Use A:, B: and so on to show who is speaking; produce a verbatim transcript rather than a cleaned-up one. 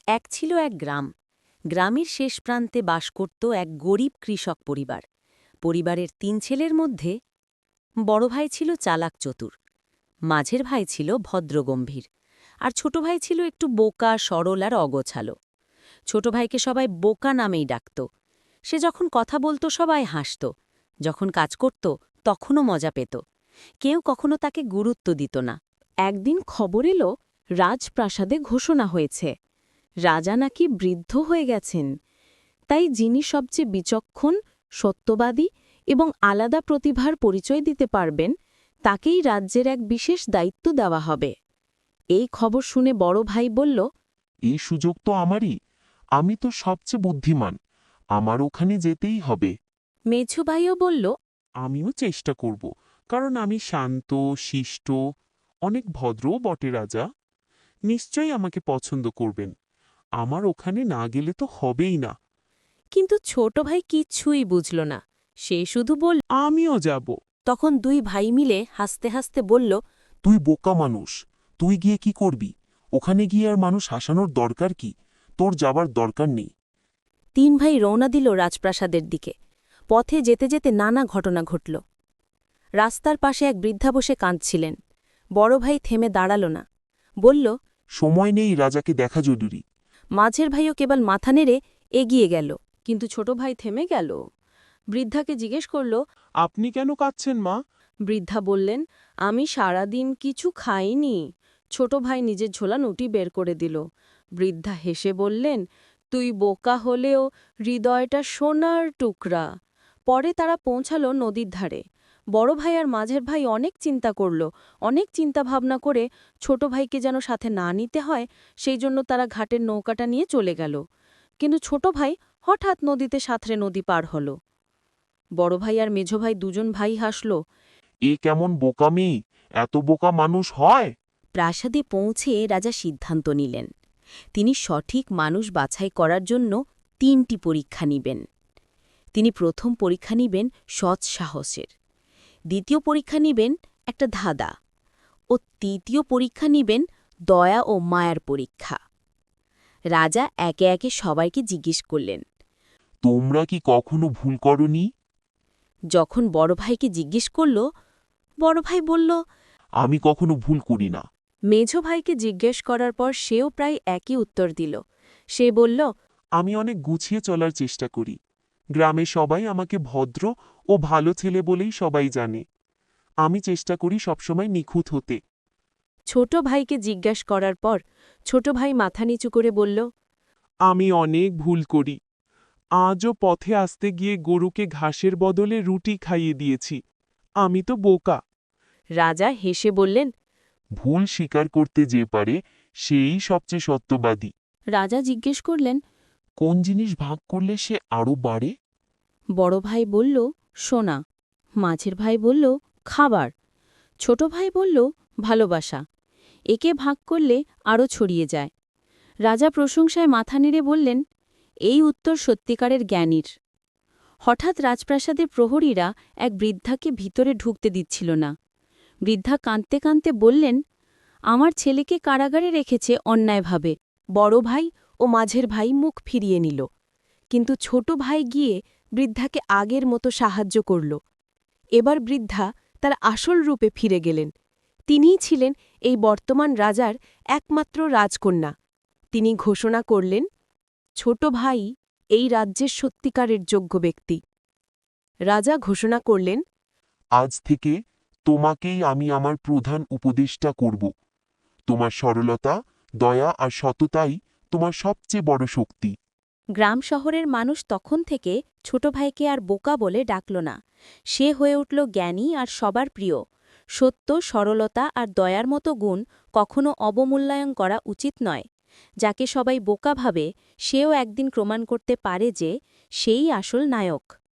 A: এক ছিল এক গ্রাম। গ্রামের শেষ প্রান্তে বাস করত এক গরিব কৃষক পরিবার। পরিবারের তিন ছেলের মধ্যে বড় ভাই ছিল চালাক চতুর, মাঝের ভাই ছিল ভদ্রগম্ভীর, আর ছোট ভাই ছিল একটু বোকা, সরল আর অগোছালো। ছোট ভাইকে সবাই বোকা নামেই ডাকত। সে যখন কথা বলতো সবাই হাসত, যখন কাজ করত তখনও মজা পেত। কেউ কখনো তাকে গুরুত্ব দিত না। একদিন খবর এলো, রাজপ্রাসাদে ঘোষণা হয়েছে রাজা নাকি বৃদ্ধ হয়ে গেছেন। তাই যিনি সবচেয়ে বিচক্ষণ, সত্যবাদী এবং আলাদা প্রতিভার পরিচয় দিতে পারবেন, তাকেই রাজ্যের এক বিশেষ দায়িত্ব দেওয়া হবে। এই খবর শুনে বড় ভাই বলল,
B: এই সুযোগ তো আমারই। আমি তো সবচেয়ে বুদ্ধিমান, আমার ওখানে যেতেই হবে।
A: মেঝো ভাইও বলল,
B: আমিও চেষ্টা করব, কারণ আমি শান্ত, শিষ্ট, অনেক ভদ্রও বটে। রাজা নিশ্চয়ই আমাকে পছন্দ করবেন। আমার ওখানে না গেলে তো হবেই না।
A: কিন্তু ছোট ভাই কিচ্ছুই বুঝল না। সে শুধু বলল।
B: আমিও যাব।
A: তখন দুই ভাই মিলে হাসতে হাসতে বলল,
B: তুই বোকা মানুষ, তুই গিয়ে কি করবি? ওখানে গিয়ে আর মানুষ হাসানোর দরকার কি? তোর যাবার দরকার নেই।
A: তিন ভাই রওনা দিল রাজপ্রাসাদের দিকে। পথে যেতে যেতে নানা ঘটনা ঘটল। রাস্তার পাশে এক বৃদ্ধা বসে কাঁদছিলেন। বড় ভাই থেমে দাঁড়াল না, বলল,
B: সময় নেই, রাজাকে দেখা জরুরি।
A: মাঝের ভাইও কেবল মাথা নেড়ে এগিয়ে গেল। কিন্তু ছোট ভাই থেমে গেল। বৃদ্ধাকে জিজ্ঞেস করল,
B: আপনি কেন কাঁদছেন মা?
A: বৃদ্ধা বললেন, আমি সারাদিন কিছু খাইনি। ছোট ভাই নিজের ঝোলা নুটি বের করে দিল। বৃদ্ধা হেসে বললেন, তুই বোকা হলেও হৃদয়টা সোনার টুকরা। পরে তারা পৌঁছালো নদীর ধারে। বড় ভাই আর মাঝের ভাই অনেক চিন্তা করল। অনেক চিন্তা ভাবনা করে ছোট ভাইকে যেন সাথে না নিতে হয়, সেই জন্য তারা ঘাটের নৌকাটা নিয়ে চলে গেল। কিন্তু ছোট ভাই হঠাৎ নদীতে সাঁতরে নদী পার হল। বড় ভাই আর মেঝো ভাই দুজন ভাই হাসল।
B: এ কেমন বোকামি! এত বোকা মানুষ হয়?
A: প্রাসাদে পৌঁছে রাজা সিদ্ধান্ত নিলেন, তিনি সঠিক মানুষ বাছাই করার জন্য তিনটি পরীক্ষা নিবেন। তিনি প্রথম পরীক্ষা নিবেন সৎ সাহসের, দ্বিতীয় পরীক্ষা নিবেন একটা ধাঁধা, ও তৃতীয় পরীক্ষা নিবেন দয়া ও মায়ার পরীক্ষা। রাজা একে একে সবাইকে জিজ্ঞেস করলেন।
B: তোমরা কি কখনো ভুল করনি?
A: যখন বড় ভাইকে জিজ্ঞেস করল, বড় ভাই বলল,
B: আমি কখনো ভুল করি না।
A: মেঝো ভাইকে জিজ্ঞেস করার পর সেও প্রায় একই উত্তর দিল। সে বলল,
B: আমি অনেক গুছিয়ে চলার চেষ্টা করি। গ্রামে সবাই আমাকে ভদ্র ও ভালো ছেলে বলেই সবাই জানে। আমি চেষ্টা করি সবসময় নিখুঁত হতে।
A: ছোট ভাইকে জিজ্ঞাস করার পর ছোট ভাই মাথা নিচু করে বলল,
B: আমি অনেক ভুল করি। আজও পথে আসতে গিয়ে গরুকে ঘাসের বদলে রুটি খাইয়ে দিয়েছি। আমি তো বোকা।
A: রাজা হেসে বললেন,
B: ভুল স্বীকার করতে যে পারে সেই সবচেয়ে সত্যবাদী।
A: রাজা জিজ্ঞেস করলেন,
B: কোন জিনিস ভাগ করলে সে আরও বাড়ে?
A: বড় ভাই বলল, সোনা। মাঝের ভাই বলল, খাবার। ছোট ভাই বলল, ভালোবাসা। একে ভাগ করলে আরও ছড়িয়ে যায়। রাজা প্রশংসায় মাথা নেড়ে বললেন, এই উত্তর সত্যিকারের জ্ঞানীর। হঠাৎ রাজপ্রাসাদে প্রহরীরা এক বৃদ্ধাকে ভিতরে ঢুকতে দিচ্ছিল না। বৃদ্ধা কাঁদতে কাঁদতে বললেন, আমার ছেলেকে কারাগারে রেখেছে অন্যায়ভাবে। বড় ভাই ও মাঝের ভাই মুখ ফিরিয়ে নিল। কিন্তু ছোট ভাই গিয়ে বৃদ্ধাকে আগের মতো সাহায্য করল। এবার বৃদ্ধা তার আসল রূপে ফিরে গেলেন। তিনিই ছিলেন এই বর্তমান রাজার একমাত্র রাজকন্যা। তিনি ঘোষণা করলেন, ছোট ভাই এই রাজ্যের সত্যিকারের যোগ্য ব্যক্তি। রাজা ঘোষণা করলেন,
B: আজ থেকে তোমাকেই আমি আমার প্রধান উপদেষ্টা করব। তোমার সরলতা, দয়া আর সততাই তোমার সবচেয়ে বড় শক্তি।
A: গ্রাম শহরের মানুষ তখন থেকে ছোট ভাইকে আর বোকা বলে ডাকল না। সে হয়ে উঠল জ্ঞানী আর সবার প্রিয়। সত্য, সরলতা আর দয়ার মতো গুণ কখনো অবমূল্যায়ন করা উচিত নয়। যাকে সবাই বোকা ভাবে, সেও একদিন প্রমাণ করতে পারে যে সেই আসল নায়ক।